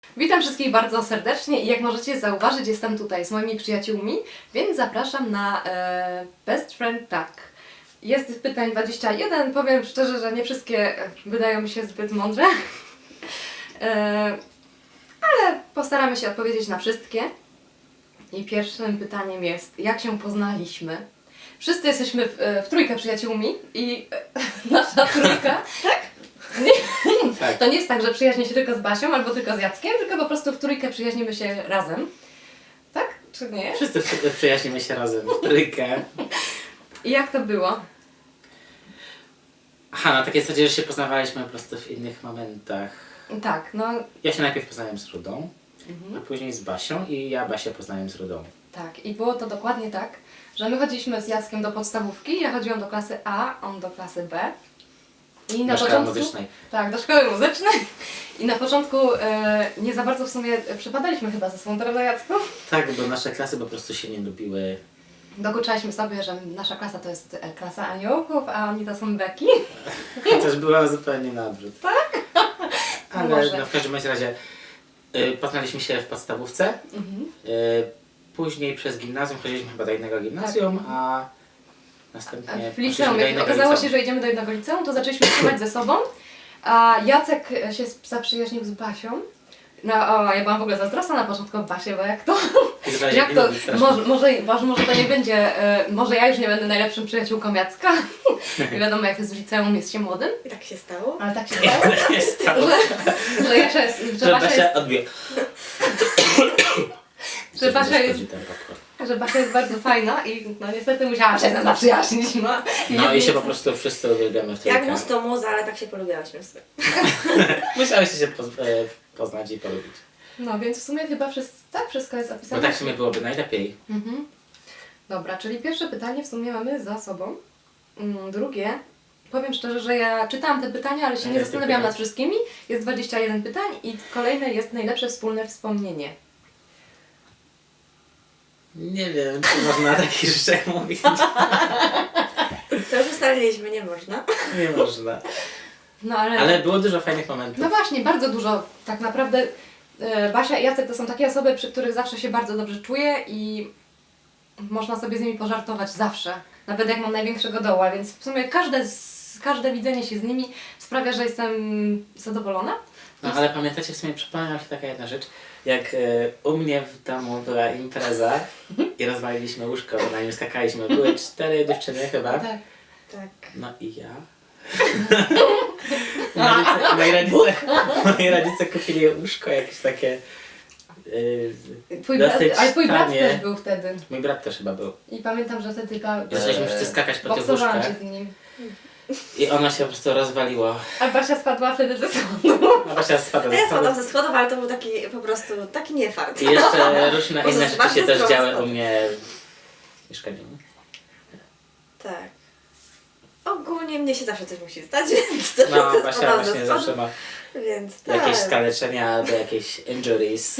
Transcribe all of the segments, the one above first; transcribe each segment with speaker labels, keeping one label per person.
Speaker 1: Witam wszystkich bardzo serdecznie i jak możecie zauważyć, jestem tutaj z moimi przyjaciółmi, więc zapraszam na Best Friend Tag. Jest pytań 21, powiem szczerze, że nie wszystkie wydają mi się zbyt mądre, ale postaramy się odpowiedzieć na wszystkie. I pierwszym pytaniem jest, jak się poznaliśmy? Wszyscy jesteśmy w trójkę przyjaciółmi i nasza trójka... Tak? Nie,
Speaker 2: Tak.
Speaker 1: to nie jest tak, że przyjaźnię się tylko z Basią albo tylko z Jackiem, tylko po prostu w trójkę przyjaźnimy się razem. Tak? Czy nie?
Speaker 2: Wszyscy przyjaźnimy się razem w trójkę.
Speaker 1: I jak to było?
Speaker 2: Aha, na takiej zasadzie, że się poznawaliśmy po prostu w innych momentach.
Speaker 1: Tak, no
Speaker 2: Ja się najpierw poznałem z Rudą, a później z Basią i ja Basię poznałem z Rudą.
Speaker 1: tak. I było to dokładnie tak, że my chodziliśmy z Jackiem do podstawówki, ja chodziłam do klasy A, on do klasy B. I na
Speaker 2: Do szkoły muzycznej.
Speaker 1: Tak, do szkoły muzycznej. I na początku nie za bardzo w sumie przypadaliśmy chyba ze sobą, prawda Jacku?
Speaker 2: Tak, bo nasze klasy po prostu się nie lubiły.
Speaker 1: Dokuczaliśmy sobie, że nasza klasa to jest klasa aniołków, a oni to są beki.
Speaker 2: Chociaż była zupełnie na odwrót. Tak? Ale
Speaker 1: Może.
Speaker 2: no, w każdym razie poznaliśmy się w podstawówce. Później przez gimnazjum chodziliśmy chyba do innego gimnazjum, a następnie
Speaker 1: W liceum,
Speaker 2: do
Speaker 1: jak
Speaker 2: innego
Speaker 1: okazało
Speaker 2: liceum.
Speaker 1: się, że idziemy do jednego liceum, to zaczęliśmy trzymać ze sobą, a Jacek się zaprzyjaźnił z Basią. No, ja byłam w ogóle zazdrosna na początku o Basię, bo jak to,
Speaker 2: Izrael
Speaker 1: jak
Speaker 2: nie
Speaker 1: to,
Speaker 2: lubi strasznie.
Speaker 1: może to nie będzie, może ja już nie będę najlepszym przyjaciółką Jacka. Nie wiadomo jak jest w liceum, jest się młodym,
Speaker 3: I tak się stało.
Speaker 1: ale tak się stało,
Speaker 2: Nie stało.
Speaker 1: że Jasia jest,
Speaker 2: Że Basia odbije.
Speaker 1: że Basia jest,
Speaker 2: Szkodzi ten popcorn.
Speaker 1: że Basia jest bardzo fajna i no niestety musiałam się z nią zaprzyjaźnić.
Speaker 2: No i się po prostu wszyscy uwielbiamy w trójkę.
Speaker 3: Jak mus to mus, ale tak się polubiałyśmy w sumie.
Speaker 2: Musiałyście się poznać i polubić.
Speaker 1: No więc w sumie chyba wszystko jest
Speaker 2: Bo
Speaker 1: opisane.
Speaker 2: tak w sumie byłoby najlepiej.
Speaker 1: Mhm. Dobra, czyli pierwsze pytanie w sumie mamy za sobą. Drugie, powiem szczerze, że ja czytałam te pytania, ale się nie
Speaker 2: Jakie
Speaker 1: zastanawiałam
Speaker 2: pytania?
Speaker 1: nad wszystkimi. Jest 21 pytań i kolejne jest najlepsze wspólne wspomnienie.
Speaker 2: Nie wiem, czy można o takich rzeczach mówić.
Speaker 3: To już ustaliliśmy, nie można.
Speaker 2: Nie można.
Speaker 1: No
Speaker 2: Ale było dużo fajnych momentów.
Speaker 1: No właśnie, bardzo dużo. Tak naprawdę Basia i Jacek to są takie osoby, przy których zawsze się bardzo dobrze czuję i można sobie z nimi pożartować zawsze. Nawet jak mam największego doła, więc w sumie każde widzenie się z nimi sprawia, że jestem zadowolona.
Speaker 2: No ale pamiętacie, w sumie przypomniała się taka jedna rzecz, jak u mnie w domu była impreza i rozwaliliśmy łóżko, na nim skakaliśmy. Były 4 dziewczyny chyba.
Speaker 1: Tak.
Speaker 3: Tak.
Speaker 2: No i ja. Moi rodzice kupili łóżko jakieś takie. Dosyć
Speaker 1: Ale twój brat
Speaker 2: tanie.
Speaker 1: też był wtedy.
Speaker 2: Mój brat też chyba był.
Speaker 1: I pamiętam, że wtedy
Speaker 2: Zaczęliśmy wszyscy skakać po tych
Speaker 1: boksowałam
Speaker 2: łóżkach
Speaker 1: się z nim.
Speaker 2: i ono się po prostu rozwaliło.
Speaker 1: A Basia spadła wtedy ze schodu.
Speaker 2: A Basia spadła
Speaker 3: A
Speaker 2: ze
Speaker 3: ja
Speaker 2: stołu.
Speaker 3: spadłam ze schodów, ale to był taki po prostu taki niefart.
Speaker 2: I jeszcze różne
Speaker 3: Bo
Speaker 2: inne
Speaker 3: to
Speaker 2: rzeczy
Speaker 3: bardzo
Speaker 2: się też
Speaker 3: zdrowy
Speaker 2: działy
Speaker 3: spadek.
Speaker 2: u mnie w mieszkaniu.
Speaker 3: Tak. Ogólnie mnie się zawsze coś musi stać, więc to
Speaker 2: No,
Speaker 3: że
Speaker 2: Basia
Speaker 3: spadłam ze
Speaker 2: właśnie
Speaker 3: schodów,
Speaker 2: zawsze ma
Speaker 3: więc tak.
Speaker 2: jakieś skaleczenia albo jakieś injuries.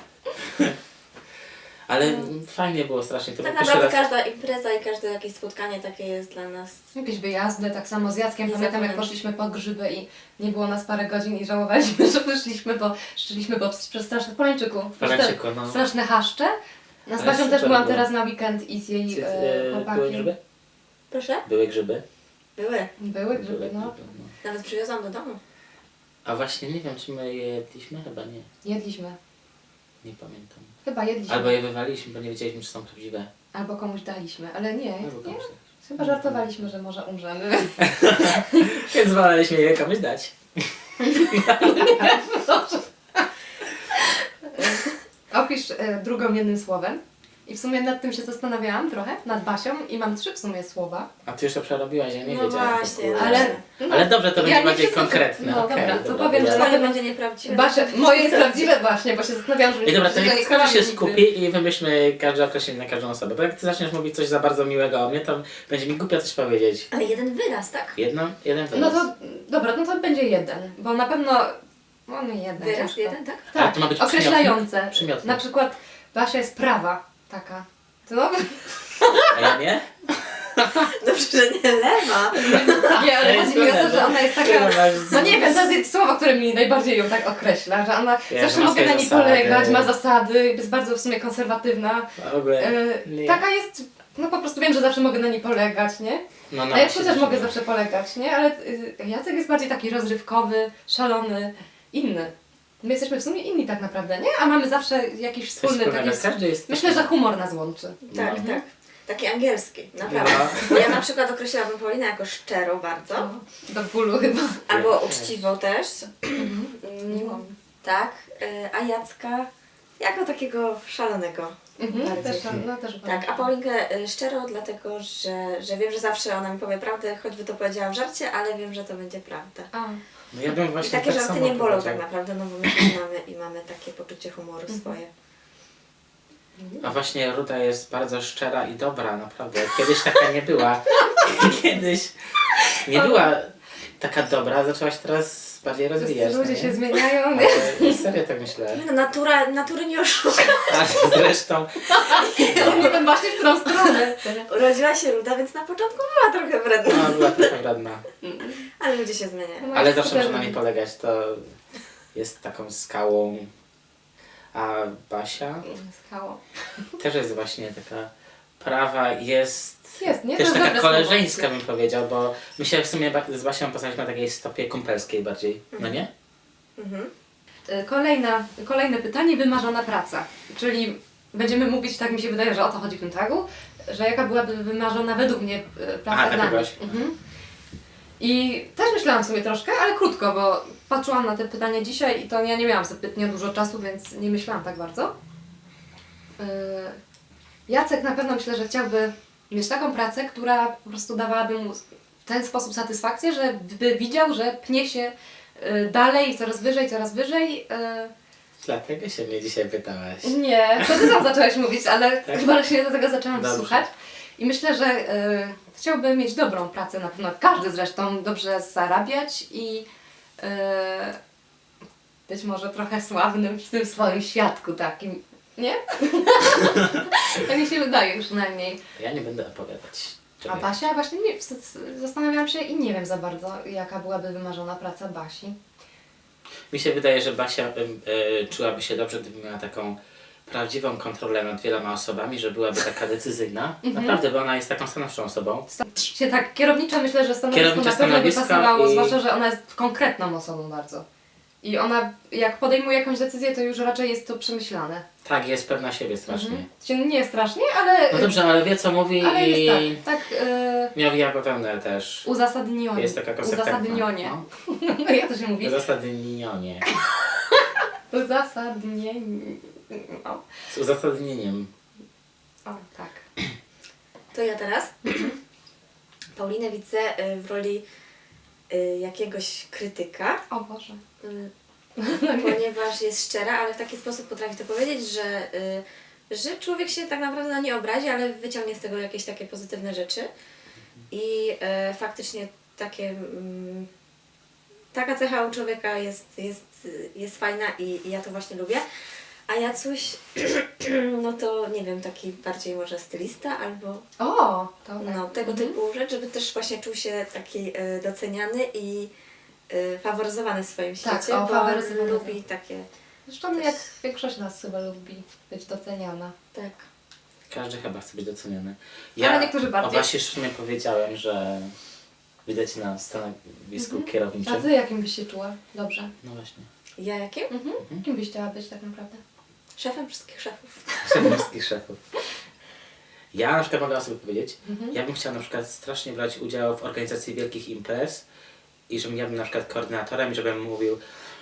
Speaker 2: Ale fajnie było strasznie. To
Speaker 3: Tak
Speaker 2: był pierwszy
Speaker 3: naprawdę
Speaker 2: raz.
Speaker 3: każda impreza i każde jakieś spotkanie takie jest dla nas.
Speaker 1: Jakieś wyjazdy, tak samo z Jackiem.
Speaker 3: Nie
Speaker 1: Pamiętam jak
Speaker 3: zapomnę.
Speaker 1: poszliśmy po grzyby i nie było nas parę godzin i żałowaliśmy, że wyszliśmy, bo szliśmy przez strasznych Polańczyku.
Speaker 2: Polańczyku, no.
Speaker 1: Straszne haszcze. No z
Speaker 2: Ale
Speaker 1: Basią też
Speaker 2: super
Speaker 1: byłam
Speaker 2: było.
Speaker 1: teraz na weekend i z jej
Speaker 2: Były
Speaker 1: chłopakiem.
Speaker 2: grzyby?
Speaker 3: Proszę?
Speaker 2: Były grzyby?
Speaker 3: Były.
Speaker 1: Były grzyby,
Speaker 2: Były
Speaker 1: no.
Speaker 2: grzyby, no.
Speaker 3: Nawet przywiozłam do domu.
Speaker 2: A właśnie nie wiem, czy my je jedliśmy? Chyba nie.
Speaker 1: Jedliśmy.
Speaker 2: Nie pamiętam.
Speaker 1: Chyba jedliśmy.
Speaker 2: Albo je wywaliśmy, bo nie wiedzieliśmy, czy są prawdziwe.
Speaker 1: Albo komuś daliśmy, ale nie.
Speaker 2: Albo
Speaker 1: nie.
Speaker 2: komuś daliśmy.
Speaker 1: Chyba żartowaliśmy, że może umrzemy.
Speaker 2: Więc woleliśmy je komuś dać.
Speaker 1: Opisz drugą jednym słowem. I w sumie nad tym się zastanawiałam trochę, nad Basią i mam 3 w sumie słowa.
Speaker 2: A ty już to przerobiłaś, ja nie
Speaker 3: No
Speaker 2: wiedziałem.
Speaker 3: właśnie,
Speaker 2: w ogóle.
Speaker 1: Ale,
Speaker 2: Ale dobrze, to
Speaker 1: Ja
Speaker 2: będzie
Speaker 1: nie
Speaker 2: bardziej
Speaker 1: wszystko-
Speaker 2: konkretne.
Speaker 1: no
Speaker 2: Okej,
Speaker 1: dobra, to
Speaker 2: dobra,
Speaker 1: powiem,
Speaker 2: dobra.
Speaker 1: że-
Speaker 3: Twoje będzie nieprawdziwe.
Speaker 1: Basia, moje jest prawdziwe właśnie, bo się zastanawiałam, że
Speaker 2: I dobra, to
Speaker 1: że
Speaker 2: niech
Speaker 1: nie
Speaker 2: każdy się
Speaker 1: kłamie nigdy.
Speaker 2: skupi i wymyślmy każde określenie na każdą osobę. Bo jak ty zaczniesz mówić coś za bardzo miłego o mnie, to będzie mi głupio coś powiedzieć.
Speaker 3: Ale jeden wyraz, tak?
Speaker 2: Jeden wyraz.
Speaker 1: No to, dobra, no to będzie jeden, bo na pewno, no nie jeden.
Speaker 3: Wyraz
Speaker 1: ciężko.
Speaker 3: jeden, tak?
Speaker 2: Ale
Speaker 1: Tak,
Speaker 2: to ma być
Speaker 1: określające.
Speaker 2: Przymiotnik.
Speaker 1: Na przykład Basia jest prawa, taka. Co?
Speaker 2: A ja nie?
Speaker 3: Dobrze, że nie lewa.
Speaker 1: Nie, ale chodzi mi o to, że ona jest taka... No nie wiem, to
Speaker 2: wiem.
Speaker 1: jest słowo, które mi najbardziej ją tak określa, że ona
Speaker 2: Ja,
Speaker 1: zawsze
Speaker 2: że ma
Speaker 1: mogę na
Speaker 2: swoje
Speaker 1: niej
Speaker 2: zasady.
Speaker 1: polegać, ma zasady, jest bardzo w sumie konserwatywna.
Speaker 2: W ogóle nie.
Speaker 1: Taka jest, no po prostu wiem, że zawsze mogę na niej polegać, nie?
Speaker 2: No,
Speaker 1: A ja
Speaker 2: właśnie
Speaker 1: też mogę
Speaker 2: nie.
Speaker 1: zawsze polegać, nie? Ale Jacek jest bardziej taki rozrywkowy, szalony, inny. My jesteśmy w sumie inni tak naprawdę, nie? A mamy zawsze jakiś
Speaker 2: Coś
Speaker 1: wspólny
Speaker 2: wspólnego.
Speaker 1: taki...
Speaker 2: Każdy jest
Speaker 1: Myślę, że humor nas łączy.
Speaker 3: Tak,
Speaker 2: No.
Speaker 3: tak. Taki angielski, naprawdę.
Speaker 2: No.
Speaker 3: Bo ja na przykład określałabym Paulinę jako szczerą bardzo.
Speaker 1: Do bólu chyba.
Speaker 3: Albo
Speaker 2: też.
Speaker 3: uczciwą też.
Speaker 1: Miłą.
Speaker 3: Tak. A Jacka jako takiego szalonego. Bardziej.
Speaker 1: Też, no, też
Speaker 3: Tak, a Paulinkę szczerą, dlatego że wiem, że zawsze ona mi powie prawdę, choćby to powiedziała w żarcie, ale wiem, że to będzie prawda.
Speaker 1: A,
Speaker 2: No ja bym
Speaker 3: I
Speaker 2: właśnie
Speaker 3: takie
Speaker 2: tak
Speaker 3: żarty
Speaker 2: samo
Speaker 3: nie bolą
Speaker 2: powiedział.
Speaker 3: tak naprawdę, no bo my się znamy i mamy takie poczucie humoru swoje.
Speaker 2: A właśnie Ruda jest bardzo szczera i dobra, naprawdę. Kiedyś taka nie była. Kiedyś nie była taka dobra, zaczęła się teraz bardziej rozwijać.
Speaker 1: ludzie
Speaker 2: no
Speaker 1: się
Speaker 2: nie?
Speaker 1: zmieniają, nie?
Speaker 2: Ale serio tak myślę.
Speaker 3: No natury nie oszuka.
Speaker 2: A zresztą
Speaker 1: Nie wiem właśnie w którą stronę.
Speaker 3: Urodziła się Ruda, więc na początku była trochę wredna.
Speaker 2: no, była trochę radna.
Speaker 3: Ale ludzie się zmieniają.
Speaker 2: Ale zawsze można na niej polegać, to jest taką skałą. A Basia
Speaker 1: Skało.
Speaker 2: też jest właśnie taka prawa, jest
Speaker 1: Jest, nie? To
Speaker 2: też
Speaker 1: jest
Speaker 2: taka
Speaker 1: dobre
Speaker 2: koleżeńska
Speaker 1: słowo.
Speaker 2: bym powiedział, bo my się w sumie z Basią poznaliśmy na takiej stopie kumpelskiej bardziej, no nie?
Speaker 3: Mhm.
Speaker 1: Kolejne pytanie, wymarzona praca. Czyli będziemy mówić, tak mi się wydaje, że o to chodzi w tym tagu, że jaka byłaby wymarzona według mnie praca
Speaker 2: Aha,
Speaker 1: dla
Speaker 2: tak
Speaker 1: mnie.
Speaker 2: byłaś.
Speaker 1: I też myślałam sobie troszkę, ale krótko, bo patrzyłam na te pytania dzisiaj i to ja nie miałam zbytnio dużo czasu, więc nie myślałam tak bardzo. Jacek na pewno myślę, że chciałby mieć taką pracę, która po prostu dawałaby mu w ten sposób satysfakcję, że by widział, że pnie się dalej, coraz wyżej, coraz wyżej.
Speaker 2: Dlatego się mnie dzisiaj pytałaś.
Speaker 1: Nie, to ty sam zaczęłaś mówić, ale
Speaker 2: Tak?
Speaker 1: chyba się do tego zaczęłam
Speaker 2: Dobrze.
Speaker 1: słuchać. I myślę, że chciałby mieć dobrą pracę, na pewno każdy zresztą, dobrze zarabiać i być może trochę sławnym w tym swoim świadku takim, nie? Tak mi się wydaje przynajmniej.
Speaker 2: Ja nie będę opowiadać.
Speaker 1: A
Speaker 2: Czekaj.
Speaker 1: Basia właśnie nie, zastanawiałam się i nie wiem za bardzo, jaka byłaby wymarzona praca Basi.
Speaker 2: Mi się wydaje, że Basia czułaby się dobrze, gdyby miała taką prawdziwą kontrolę nad wieloma osobami, że byłaby taka decyzyjna. Naprawdę, bo ona jest taką stanowczą osobą.
Speaker 1: Się tak kierowniczo myślę, że stanowisko
Speaker 2: Kierownicze
Speaker 1: na pewno by
Speaker 2: stanowisko
Speaker 1: pasowało,
Speaker 2: i-
Speaker 1: zwłaszcza, że ona jest konkretną osobą bardzo. I ona jak podejmuje jakąś decyzję, to już raczej jest to przemyślane.
Speaker 2: Tak, jest pewna siebie strasznie.
Speaker 1: Czyli nie strasznie, ale,
Speaker 2: No dobrze, ale wie co mówi
Speaker 1: ale
Speaker 2: i
Speaker 1: jest tak
Speaker 2: miał ja pewne też.
Speaker 1: uzasadnione.
Speaker 2: Jest taka konsekwentna.
Speaker 1: Uzasadnionie.
Speaker 2: No.
Speaker 1: Jak to się mówi?
Speaker 2: Uzasadnienie.
Speaker 1: Uzasadnienie. O,
Speaker 2: Z uzasadnieniem.
Speaker 1: o tak.
Speaker 3: To ja teraz. Paulinę widzę w roli jakiegoś krytyka,
Speaker 1: O Boże.
Speaker 3: ponieważ jest szczera, ale w taki sposób potrafi to powiedzieć, że człowiek się tak naprawdę na nie obrazi, ale wyciągnie z tego jakieś takie pozytywne rzeczy. I faktycznie taka cecha u człowieka jest fajna i ja to właśnie lubię. A Jacuś, no to nie wiem, taki bardziej może stylista albo
Speaker 1: O, to tak.
Speaker 3: no, tego typu rzecz, żeby też właśnie czuł się taki doceniany i faworyzowany w swoim
Speaker 1: Tak,
Speaker 3: świecie,
Speaker 1: o,
Speaker 3: bo
Speaker 1: faworyzowany,
Speaker 3: lubi takie,
Speaker 1: Zresztą jak większość nas chyba lubi być doceniana.
Speaker 3: tak.
Speaker 2: Każdy chyba chce być doceniony.
Speaker 1: Ale niektórzy
Speaker 2: o
Speaker 1: bardziej.
Speaker 2: Basi już w sumie powiedziałem, że widać na stanowisku kierowniczym.
Speaker 1: A ty jakim byś się czuła? Dobrze.
Speaker 2: No właśnie.
Speaker 3: Ja jakim?
Speaker 1: Kim byś chciała być tak naprawdę?
Speaker 3: Szefem wszystkich szefów.
Speaker 2: Szefem wszystkich szefów. Ja na przykład mogę o sobie powiedzieć, ja bym chciał na przykład strasznie brać udział w organizacji wielkich imprez i żebym ja bym na przykład koordynatorem i żebym mówił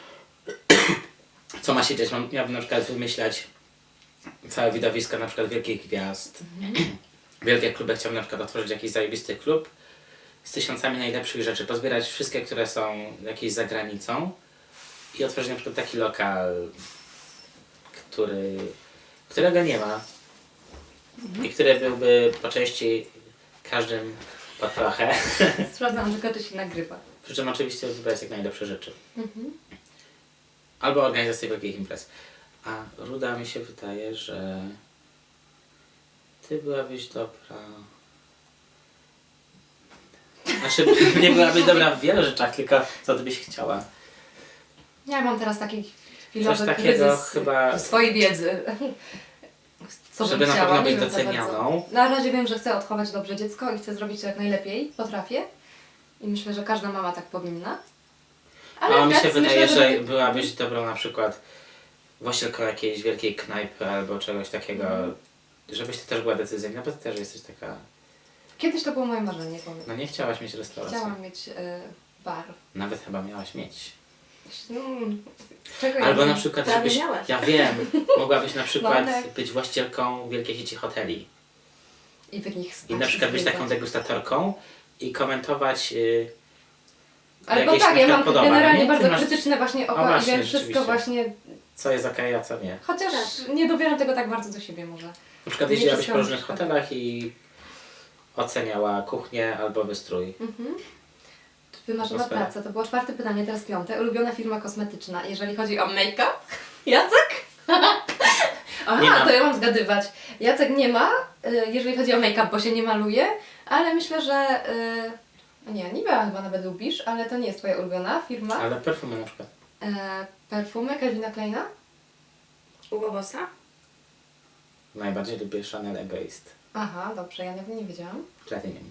Speaker 2: co ma się dziać. Miałbym na przykład wymyślać całe widowisko na przykład wielkich gwiazd. Wielkie kluby, chciałbym na przykład otworzyć jakiś zajebisty klub z tysiącami najlepszych rzeczy, pozbierać wszystkie, które są jakieś za granicą i otworzyć na przykład taki lokal, którego nie ma i który byłby po części każdym po trochę.
Speaker 1: Sprawdzam tylko, czy się nagrywa.
Speaker 2: Przy czym oczywiście wybrać jak najlepsze rzeczy. Albo organizację wielkich imprez. A Ruda mi się wydaje, że ty byłabyś dobra Znaczy, nie byłabyś dobra w wielu rzeczach, tylko co ty byś chciała.
Speaker 1: Ja mam teraz taki
Speaker 2: Coś
Speaker 1: chwilowy
Speaker 2: takiego
Speaker 1: kryzys
Speaker 2: chyba,
Speaker 1: swojej wiedzy. Co bym
Speaker 2: żeby na
Speaker 1: chciała,
Speaker 2: pewno
Speaker 1: nie
Speaker 2: być
Speaker 1: wiem za bardzo.
Speaker 2: docenianą.
Speaker 1: Na razie wiem, że chcę odchować dobrze dziecko i chcę zrobić to jak najlepiej potrafię. I myślę, że każda mama tak powinna.
Speaker 2: A mi się
Speaker 1: teraz
Speaker 2: wydaje,
Speaker 1: myślę,
Speaker 2: że byłabyś dobrą na przykład właścicielką jakiejś wielkiej knajpy albo czegoś takiego, żebyś ty też była decyzyjna, bo ty też jesteś taka...
Speaker 1: Kiedyś to było moje marzenie, powiem.
Speaker 2: No nie chciałaś mieć restauracji.
Speaker 1: Chciałam mieć bar.
Speaker 2: Nawet chyba miałaś mieć.
Speaker 1: Czego
Speaker 2: Albo
Speaker 1: ja
Speaker 2: na
Speaker 1: nie-
Speaker 2: przykład,
Speaker 3: Prawie
Speaker 2: żebyś...
Speaker 3: miałaś.
Speaker 2: Ja wiem, mogłabyś na przykład
Speaker 1: Wątek.
Speaker 2: być właścicielką wielkiej sieci hoteli.
Speaker 1: I w nich spać.
Speaker 2: I na przykład być taką
Speaker 1: zwiedzać.
Speaker 2: degustatorką i komentować...
Speaker 1: Albo
Speaker 2: jakieś
Speaker 1: tak,
Speaker 2: na
Speaker 1: ja
Speaker 2: przykład
Speaker 1: mam
Speaker 2: podoba,
Speaker 1: generalnie
Speaker 2: nie? Ty
Speaker 1: bardzo
Speaker 2: masz-
Speaker 1: krytyczne właśnie oko
Speaker 2: O, właśnie,
Speaker 1: i wiem wszystko
Speaker 2: rzeczywiście.
Speaker 1: właśnie,
Speaker 2: co jest okej, a co nie.
Speaker 1: chociaż nie dobieram tego tak bardzo do siebie może.
Speaker 2: Na przykład
Speaker 1: Nie
Speaker 2: jeździłabyś
Speaker 1: wszystko
Speaker 2: po
Speaker 1: mi
Speaker 2: różnych
Speaker 1: przeszkadza.
Speaker 2: hotelach i oceniała kuchnię albo wystrój.
Speaker 1: Wymarzona
Speaker 2: Atmosfera.
Speaker 1: praca, to było 4 pytanie, teraz 5. Ulubiona firma kosmetyczna, jeżeli chodzi o make-up? Jacek? Aha,
Speaker 2: Nie ma.
Speaker 1: to ja mam zgadywać. Jacek nie ma, jeżeli chodzi o make-up, bo się nie maluje, ale myślę, że... nie, Nivea chyba nawet lubisz, ale to nie jest twoja ulubiona firma.
Speaker 2: Ale perfumy na przykład.
Speaker 1: Perfumy Calvina Kleina?
Speaker 3: Hugo Bossa?
Speaker 2: Najbardziej lubię Chanel Egoist.
Speaker 1: Aha, dobrze, ja nie wiedziałam.
Speaker 2: Platinum.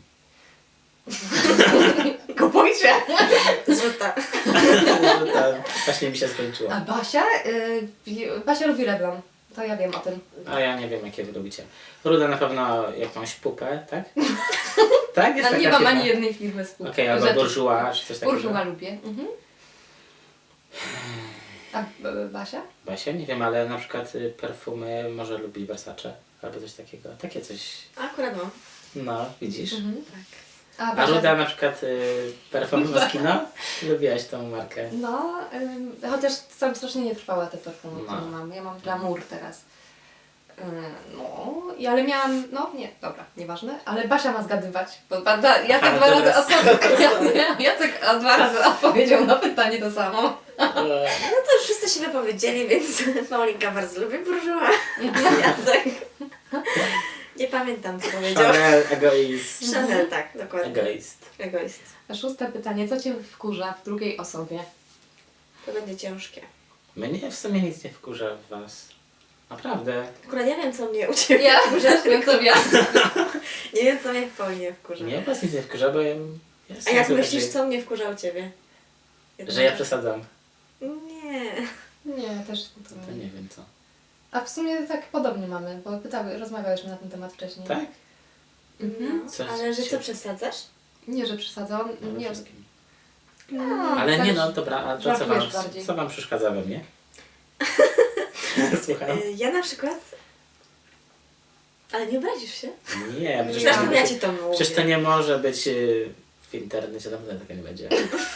Speaker 1: Kupujcie!
Speaker 3: Złota.
Speaker 2: Właśnie mi się skończyło.
Speaker 1: A Basia? Basia lubi Revlon. To ja wiem o tym.
Speaker 2: A ja nie wiem, jakie wy lubicie. Ruda na pewno jakąś pupę, tak? Tak? Jest
Speaker 1: Ale
Speaker 2: taka
Speaker 1: nie mam
Speaker 2: firma?
Speaker 1: ani jednej firmy z
Speaker 2: Okej, albo Bourjois, czy coś takiego.
Speaker 1: Bourjois lubię. Mhm. A Basia?
Speaker 2: Basia? Nie wiem, ale na przykład perfumy może lubi Versace. Albo coś takiego. Takie coś.
Speaker 3: Akurat mam.
Speaker 2: No, widzisz?
Speaker 1: Mhm.
Speaker 3: Tak.
Speaker 1: A
Speaker 2: A
Speaker 1: Basia?
Speaker 2: Ruda na przykład perfumy Moschino? Lubiłaś tą markę.
Speaker 1: No, chociaż sam strasznie nie trwała te perfumy,
Speaker 2: No.
Speaker 1: które mam. Ja mam glamour teraz. Ale miałam, nie, dobra, nieważne, ale Basia ma zgadywać, bo Jacek
Speaker 2: Aha,
Speaker 1: dwa razy
Speaker 2: dobra.
Speaker 1: Jacek 2 razy odpowiedział na pytanie to samo.
Speaker 3: No to już wszyscy się wypowiedzieli, więc Paulinka bardzo lubi Bourjois. Jacek. Nie pamiętam, co powiedział.
Speaker 2: Chanel Egoist.
Speaker 3: Chanel, tak, dokładnie.
Speaker 2: Egoist.
Speaker 3: Egoist.
Speaker 1: 6 pytanie, co Cię wkurza w drugiej osobie?
Speaker 3: To będzie ciężkie.
Speaker 2: Mnie w sumie nic nie wkurza w was. Naprawdę.
Speaker 3: Akurat ja wiem, co mnie u Ciebie
Speaker 1: Ja
Speaker 3: wkurza.
Speaker 1: wiem co wiem.
Speaker 3: Nie wiem, co mnie w Paulinie wkurza.
Speaker 2: Mnie was nic nie wkurza, bo ja
Speaker 3: A
Speaker 2: jestem
Speaker 3: jak
Speaker 2: super,
Speaker 3: myślisz, co mnie wkurza u Ciebie?
Speaker 2: że ja przesadzam.
Speaker 3: Nie.
Speaker 1: Nie, też
Speaker 2: To nie wiem co.
Speaker 1: A w sumie tak podobnie mamy, bo rozmawiałyśmy na ten temat wcześniej.
Speaker 2: Tak?
Speaker 1: Mhm.
Speaker 3: No,
Speaker 2: Coś
Speaker 3: ale że
Speaker 2: cię-
Speaker 3: co przesadzasz?
Speaker 1: Nie, że przesadzam.
Speaker 2: No,
Speaker 1: Nie,
Speaker 2: wszystkim.
Speaker 1: no,
Speaker 2: Ale nie
Speaker 1: tak,
Speaker 2: no, dobra, a to co wam,
Speaker 1: żartujesz bardziej.
Speaker 2: co wam przeszkadza we mnie? Słucham?
Speaker 3: Ja na przykład... Ale nie obrazisz się?
Speaker 2: Nie,
Speaker 1: Nie.
Speaker 3: Zresztą ja Ci to mówię.
Speaker 2: przecież to nie może być w internecie, na pewno tego nie będzie.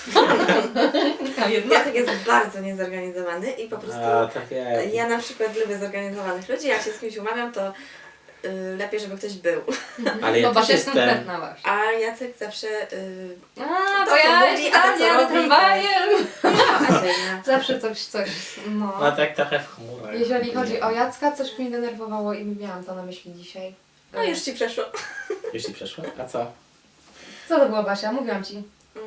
Speaker 1: A jednak.
Speaker 3: Jacek jest bardzo niezorganizowany i po prostu...
Speaker 2: A, tak jak.
Speaker 3: Ja na przykład lubię zorganizowanych ludzi, jak się z kimś umawiam, to lepiej, żeby ktoś był.
Speaker 2: Ale ja
Speaker 1: Bo
Speaker 2: też
Speaker 1: Basia jest
Speaker 2: jestem.
Speaker 1: konkretna właśnie.
Speaker 3: A Jacek zawsze...
Speaker 1: A,
Speaker 3: To,
Speaker 1: bo
Speaker 3: co
Speaker 1: ja
Speaker 3: mówi,
Speaker 1: jeszcze
Speaker 3: a to,
Speaker 1: tam
Speaker 3: co
Speaker 1: jadę
Speaker 3: robi,
Speaker 1: tramwajem.
Speaker 3: A dzielna.
Speaker 1: Zawsze coś.
Speaker 2: No
Speaker 1: No.
Speaker 2: tak trochę w chmurach.
Speaker 1: Jeżeli chodzi o Jacka, coś mnie denerwowało i miałam to na myśli dzisiaj.
Speaker 3: No już Ci przeszło.
Speaker 2: Już ci przeszło? A co?
Speaker 1: Co to było, Basia? Mówiłam Ci.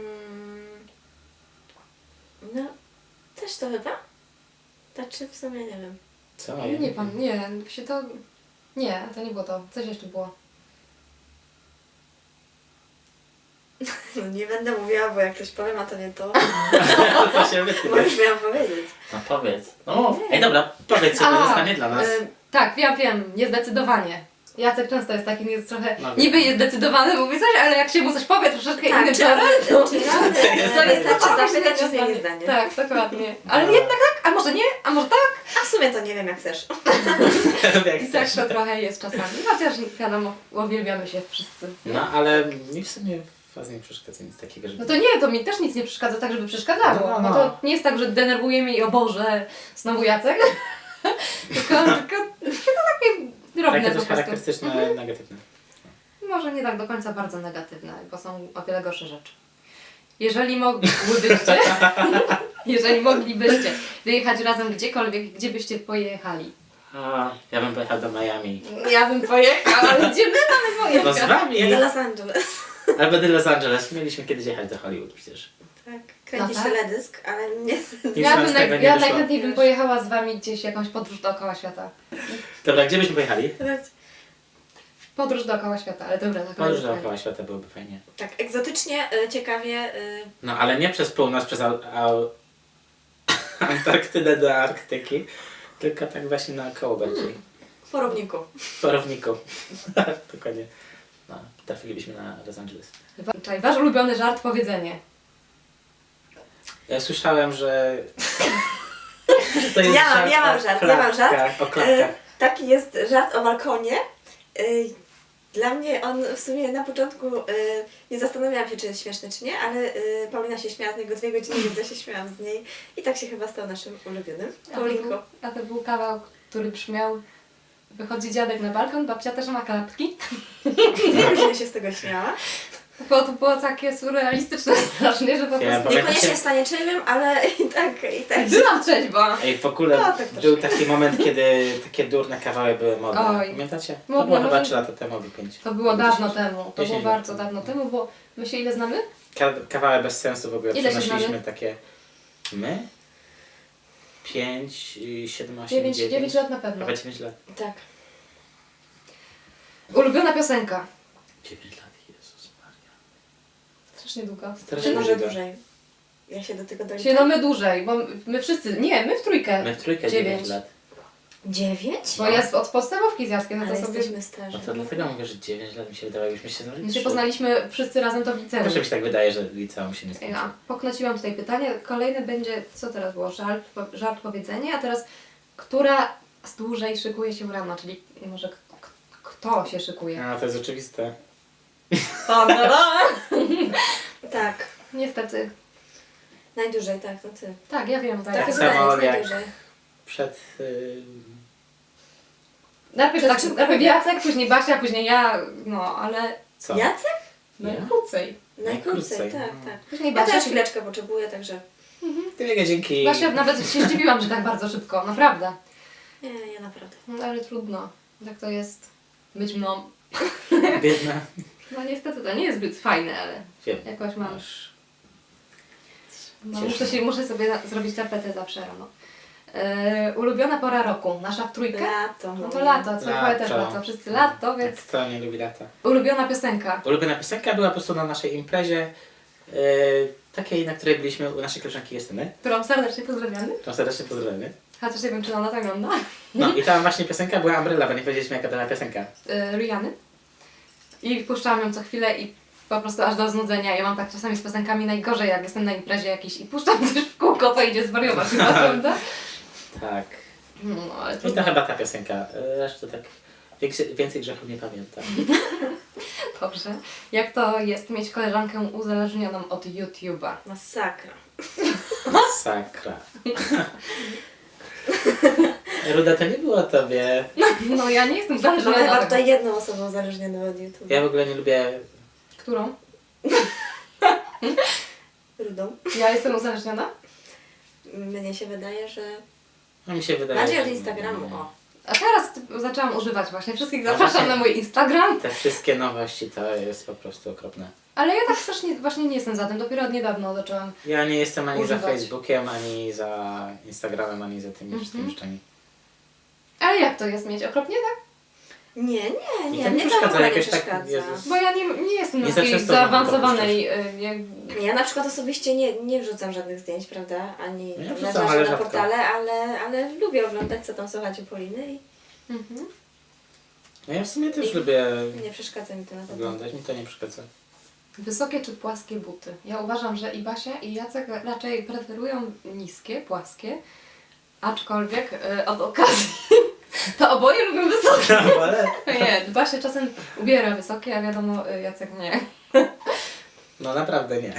Speaker 3: No, też to chyba? Znaczy w sumie nie wiem.
Speaker 2: Co?
Speaker 1: Nie, to nie było to. Coś jeszcze było.
Speaker 3: No nie będę mówiła, bo jak ktoś powiem, a to nie to,
Speaker 2: To się wytnie.
Speaker 3: bo już miałam powiedzieć.
Speaker 2: No powiedz. No mów. Ej dobra, powiedz co
Speaker 1: A,
Speaker 2: to zostanie dla nas.
Speaker 1: Tak, wiem, niezdecydowanie. Jacek często jest taki, jest trochę,
Speaker 2: No,
Speaker 1: niby jest zdecydowany, mówi coś, ale jak się mu coś powie troszeczkę
Speaker 3: Tak,
Speaker 1: innym
Speaker 3: czy
Speaker 1: czasem, to...
Speaker 3: razy wystarczy zapytać, czy zmieni zdanie.
Speaker 1: Tak, dokładnie. Ale jednak tak, a może nie, a może tak?
Speaker 3: A w sumie to nie wiem, jak chcesz.
Speaker 2: Jak
Speaker 1: I tak
Speaker 2: chcesz.
Speaker 1: to trochę jest czasami. Chociaż wiadomo, uwielbiamy się wszyscy.
Speaker 2: No ale mi w sumie was nie przeszkadza nic takiego, żeby...
Speaker 1: No to nie, to mi też nic nie przeszkadza tak, żeby przeszkadzało.
Speaker 2: No.
Speaker 1: No to nie jest tak, że denerwuje mnie i o Boże, znowu Jacek. tylko to takie drobne
Speaker 2: Takie
Speaker 1: po
Speaker 2: coś
Speaker 1: prostu.
Speaker 2: charakterystyczne, negatywne.
Speaker 1: Może nie tak do końca bardzo negatywne, bo są o wiele gorsze rzeczy. Jeżeli moglibyście, jeżeli moglibyście wyjechać razem gdziekolwiek, gdzie byście pojechali?
Speaker 2: A, ja bym pojechał do Miami.
Speaker 1: Ja bym pojechała, ale gdzie my mamy
Speaker 2: No z
Speaker 1: pojechać?
Speaker 2: wami!
Speaker 3: Ja do Los Angeles.
Speaker 2: Albo do Los Angeles. Mieliśmy kiedyś jechać do Hollywood przecież.
Speaker 3: Tak, kręcisz
Speaker 1: No tak.
Speaker 3: teledysk, ale nie...
Speaker 2: Nic
Speaker 1: Ja,
Speaker 2: nam z tego nie
Speaker 1: ja
Speaker 2: wyszło.
Speaker 1: najchętniej bym pojechała z wami gdzieś jakąś podróż dookoła świata.
Speaker 2: Dobra, gdzie byśmy pojechali?
Speaker 1: Podróż dookoła świata, ale dobra, tak.
Speaker 2: Podróż dookoła świata byłoby fajnie.
Speaker 3: Tak, egzotycznie, ciekawie.
Speaker 2: No ale nie przez północ, przez Antarktydę do Arktyki, tylko tak właśnie naokoło bardziej.
Speaker 3: W porowniku.
Speaker 2: Po równiku. Dokładnie. No, trafilibyśmy na Los Angeles.
Speaker 1: Czekaj, wasz ulubiony żart, powiedzenie.
Speaker 2: Ja słyszałem, że to jest
Speaker 3: Ja mam
Speaker 2: o
Speaker 3: żart,
Speaker 2: klapkach, o klapkach.
Speaker 3: Taki jest żart o balkonie. Dla mnie on w sumie na początku nie zastanawiałam się, czy jest śmieszny, czy nie, ale Paulina się śmiała z niego 2 godziny, więc ja się śmiałam z niej. I tak się chyba stał naszym ulubionym. Paulinko.
Speaker 1: A to był kawał, który brzmiał: wychodzi dziadek na balkon, babcia też ma klapki.
Speaker 3: 2 godziny się z tego śmiała.
Speaker 1: To było takie surrealistyczne strasznie, że po
Speaker 2: Ja
Speaker 1: prostu...
Speaker 2: Pamiętacie?
Speaker 3: Niekoniecznie w stanie trzeźwym, ale i tak.
Speaker 1: Byłam trzeźwa.
Speaker 2: Ej, w ogóle
Speaker 3: No, tak
Speaker 2: był taki moment, kiedy takie durne kawały były modne.
Speaker 1: Oj.
Speaker 2: Pamiętacie? To
Speaker 1: Modne,
Speaker 2: było chyba
Speaker 1: może-
Speaker 2: 3 lata temu, albo 5.
Speaker 1: To było dawno temu. To
Speaker 2: 10
Speaker 1: było
Speaker 2: lat
Speaker 1: bardzo
Speaker 2: temu.
Speaker 1: dawno temu, bo my się ile znamy?
Speaker 2: Kawały bez sensu w ogóle.
Speaker 1: Ile się
Speaker 2: Przenosiliśmy
Speaker 1: znamy?
Speaker 2: takie... My? 5, 7, 8,
Speaker 1: 9
Speaker 2: 9.
Speaker 1: lat na pewno.
Speaker 2: Chyba 9 lat.
Speaker 3: Tak.
Speaker 1: Ulubiona piosenka.
Speaker 2: 9 lat, Jezus Maria.
Speaker 1: Strasznie długo.
Speaker 2: Strasznie
Speaker 3: Czy może
Speaker 2: długo.
Speaker 3: dłużej? Ja się do tego
Speaker 1: Się
Speaker 3: doliczam.
Speaker 1: no my dłużej, bo my wszyscy, nie, my w trójkę.
Speaker 2: My w trójkę
Speaker 1: 9.
Speaker 2: 9 lat.
Speaker 3: 9?
Speaker 1: Bo ja od podstawówki z Jackiem, no
Speaker 3: Ale
Speaker 1: to sobie...
Speaker 3: jesteśmy starzy.
Speaker 2: No to dlatego mówię, że 9 lat mi się wydawało, jakbyśmy się znali.
Speaker 1: My się
Speaker 2: 3.
Speaker 1: poznaliśmy wszyscy razem to w liceum.
Speaker 2: Może mi się tak wydaje, że liceum się nie skończy.
Speaker 1: Ja poknociłam tutaj pytanie. Kolejne będzie, co teraz było? Żart, powiedzenie, a teraz która z dłużej szykuje się rano, czyli może kto się szykuje?
Speaker 2: No to jest oczywiste.
Speaker 3: Tak.
Speaker 1: Niestety.
Speaker 3: Najdłużej, tak, to ty.
Speaker 1: Tak, ja wiem. Tak.
Speaker 3: Tak,
Speaker 2: Tak
Speaker 3: chyba
Speaker 2: samo
Speaker 3: jest
Speaker 2: jak-
Speaker 3: najdłużej.
Speaker 2: Przed...
Speaker 1: Najpierw,
Speaker 3: Przed czym
Speaker 1: najpierw
Speaker 3: kobiet?
Speaker 1: Jacek, później Basia, później ja, no ale
Speaker 2: co?
Speaker 3: Jacek?
Speaker 1: najkrócej.
Speaker 3: Najkrócej,
Speaker 2: Najkrócej,
Speaker 3: tak,
Speaker 2: no.
Speaker 3: tak.
Speaker 1: Później
Speaker 3: Ja
Speaker 1: Basia.
Speaker 3: też chwileczkę potrzebuję, także...
Speaker 2: Tyle dzięki.
Speaker 1: Basia, nawet się zdziwiłam, że tak bardzo szybko, naprawdę.
Speaker 3: Nie, ja naprawdę.
Speaker 1: No, ale trudno. Tak to jest być mną.
Speaker 2: Biedna.
Speaker 1: No niestety to nie jest zbyt fajne, ale
Speaker 2: Wiem.
Speaker 1: jakoś mam.
Speaker 2: Masz.
Speaker 1: No,
Speaker 2: Cieszę
Speaker 1: muszę sobie zrobić tapetę zawsze rano. Ulubiona pora roku. Nasza w trójkę?
Speaker 3: Lato.
Speaker 1: No to
Speaker 3: moje.
Speaker 1: lato, co
Speaker 2: Lato.
Speaker 1: też lato. Wszyscy lato, więc...
Speaker 2: Kto nie lubi lata?
Speaker 1: Ulubiona piosenka.
Speaker 2: Ulubiona piosenka była po prostu na naszej imprezie, takiej, na której byliśmy u naszej koleżanki Justyny.
Speaker 1: Którą serdecznie pozdrawiamy.
Speaker 2: To serdecznie pozdrawiamy.
Speaker 1: Chociaż nie wiem, czy ona to ogląda.
Speaker 2: No i ta właśnie piosenka była Umbrella, bo nie powiedzieliśmy jaka to była piosenka.
Speaker 1: Rihanny. I puszczałam ją co chwilę i po prostu aż do znudzenia. Ja mam tak czasami z piosenkami najgorzej, jak jestem na imprezie jakiejś i puszczam coś w kółko, to idzie zwariować chyba, prawda?
Speaker 2: Tak.
Speaker 1: No, ale
Speaker 2: I to
Speaker 1: trudno.
Speaker 2: chyba ta piosenka. Resztę tak więcej grzechów nie pamiętam.
Speaker 1: Dobrze. Jak to jest mieć koleżankę uzależnioną od YouTube'a?
Speaker 3: Masakra.
Speaker 2: Sakra. Ruda, to nie było o tobie.
Speaker 1: No ja nie jestem
Speaker 3: Mamy
Speaker 1: uzależniona
Speaker 3: chyba
Speaker 1: od tego.
Speaker 3: tutaj jedną osobą uzależnioną od YouTube.
Speaker 2: Ja w ogóle nie lubię...
Speaker 1: Którą?
Speaker 3: Rudą.
Speaker 1: Ja jestem uzależniona?
Speaker 3: Mnie się wydaje, że...
Speaker 2: No mi się wydaje,
Speaker 3: Bardziej od
Speaker 2: że
Speaker 3: Instagramu,
Speaker 2: nie.
Speaker 3: o.
Speaker 1: A teraz zaczęłam używać właśnie. Wszystkich
Speaker 2: No
Speaker 1: zapraszam
Speaker 2: właśnie.
Speaker 1: na mój Instagram.
Speaker 2: Te wszystkie nowości to jest po prostu okropne.
Speaker 1: Ale ja tak strasznie właśnie nie jestem za tym. Dopiero od niedawno zaczęłam.
Speaker 2: Ja nie jestem ani za
Speaker 1: Używać.
Speaker 2: Facebookiem, ani za Instagramem, ani za tymi wszystkimi rzeczami.
Speaker 1: Ale jak to jest mieć? Okropnie tak?
Speaker 3: Nie,
Speaker 2: I to
Speaker 3: mnie
Speaker 2: nie
Speaker 3: to w
Speaker 2: przeszkadza,
Speaker 3: ogóle nie
Speaker 2: jakoś tak,
Speaker 3: przeszkadza.
Speaker 2: Jezus.
Speaker 1: Bo ja nie jestem
Speaker 2: Nie
Speaker 1: na
Speaker 2: za
Speaker 1: takiej
Speaker 2: często
Speaker 1: zaawansowanej...
Speaker 3: Ja na przykład osobiście nie wrzucam żadnych zdjęć, prawda? Ani
Speaker 2: Ja
Speaker 3: na
Speaker 2: wrzucam, ale
Speaker 3: na
Speaker 2: rzadko.
Speaker 3: portale, ale lubię oglądać, co tam słychać u Poliny i
Speaker 2: No ja w sumie też
Speaker 3: I-
Speaker 2: lubię
Speaker 3: nie przeszkadza mi to na pewno.
Speaker 2: oglądać, mi to nie przeszkadza.
Speaker 1: Wysokie czy płaskie buty? Ja uważam, że i Basia, i Jacek raczej preferują niskie, płaskie. Aczkolwiek od okazji to oboje lubią wysokie.
Speaker 2: Ale...
Speaker 1: Nie, Basia czasem ubiera wysokie, a wiadomo, Jacek nie.
Speaker 2: No naprawdę nie.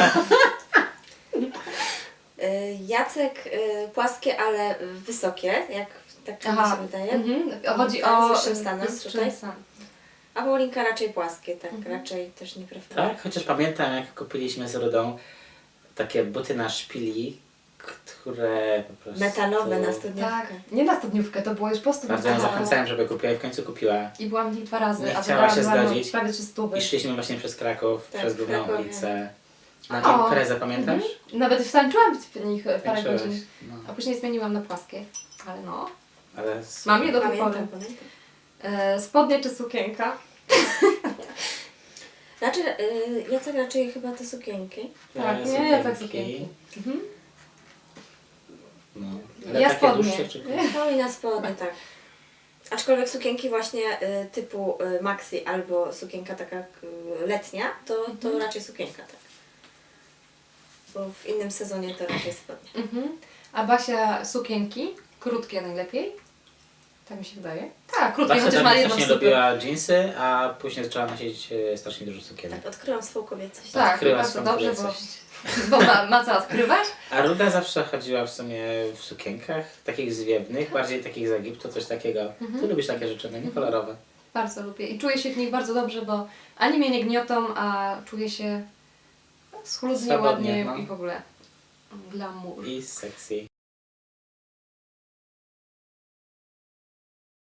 Speaker 3: Jacek płaskie, ale wysokie, jak tak mi się wydaje.
Speaker 1: Chodzi
Speaker 3: Tak,
Speaker 1: o
Speaker 3: z wyższym stanem
Speaker 1: wyższym
Speaker 3: tutaj.
Speaker 1: stan.
Speaker 3: A Paulinka raczej płaskie, tak, raczej też nie preferuje.
Speaker 2: Tak, chociaż pamiętam jak kupiliśmy z Rudą takie buty na szpili które po prostu...
Speaker 3: Metalowe na studniówkę.
Speaker 1: Tak, nie na studniówkę, to było już po studniówce.
Speaker 2: Bardzo ją zachęcałem, żeby kupiła i w końcu kupiła.
Speaker 1: I byłam w nich 2 razy,
Speaker 2: Nie
Speaker 1: a
Speaker 2: chciała się
Speaker 1: wydałam
Speaker 2: zgodzić.
Speaker 1: prawie 300.
Speaker 2: I szliśmy właśnie przez Kraków,
Speaker 3: Tak,
Speaker 2: przez
Speaker 3: w
Speaker 2: Główną
Speaker 3: Krakowie.
Speaker 2: ulicę. Na
Speaker 1: O.
Speaker 2: imprezę, pamiętasz?
Speaker 1: Nawet wtańczyłam w nich parę
Speaker 2: Tańczyłaś.
Speaker 1: godzin.
Speaker 2: No,
Speaker 1: A później zmieniłam na płaskie. Ale no.
Speaker 2: ale
Speaker 1: Mam je do tej pory.
Speaker 3: Pamiętam.
Speaker 1: Spodnie czy sukienka?
Speaker 3: Znaczy, Jacek raczej chyba te sukienki.
Speaker 1: Tak, nie, ja tak sukienki. Mhm.
Speaker 2: No.
Speaker 1: Ja
Speaker 2: Ale takie
Speaker 1: spodnie.
Speaker 2: dłuższe czy
Speaker 3: Paulina spodnie, tak. Aczkolwiek sukienki właśnie typu maxi albo sukienka taka letnia, to raczej sukienka, tak. Bo w innym sezonie to raczej spodnie.
Speaker 1: Mhm. A Basia sukienki? Krótkie najlepiej? Tak mi się wydaje. Tak, krótkie,
Speaker 2: Basia
Speaker 1: chociaż ma
Speaker 2: dawniej
Speaker 1: jedną
Speaker 2: strasznie
Speaker 1: stopę.
Speaker 2: lubiła dżinsy, a później zaczęła nosić strasznie dużo sukienek.
Speaker 3: Tak, odkryłam swą kobiecość.
Speaker 1: Tak,
Speaker 2: Odkryła
Speaker 1: bardzo
Speaker 2: swoją
Speaker 1: dobrze,
Speaker 2: kobiecość.
Speaker 1: bo ma co odkrywać.
Speaker 2: A Ruda zawsze chodziła w sumie w sukienkach, takich zwiewnych, bardziej takich z Egiptu, coś takiego. Ty lubisz takie rzeczy, no nie kolorowe.
Speaker 1: Bardzo lubię i czuję się w nich bardzo dobrze, bo ani mnie nie gniotą, a czuję się schludnie,
Speaker 2: Swobodnie,
Speaker 1: ładnie
Speaker 2: no.
Speaker 1: i w ogóle glamour.
Speaker 2: I sexy.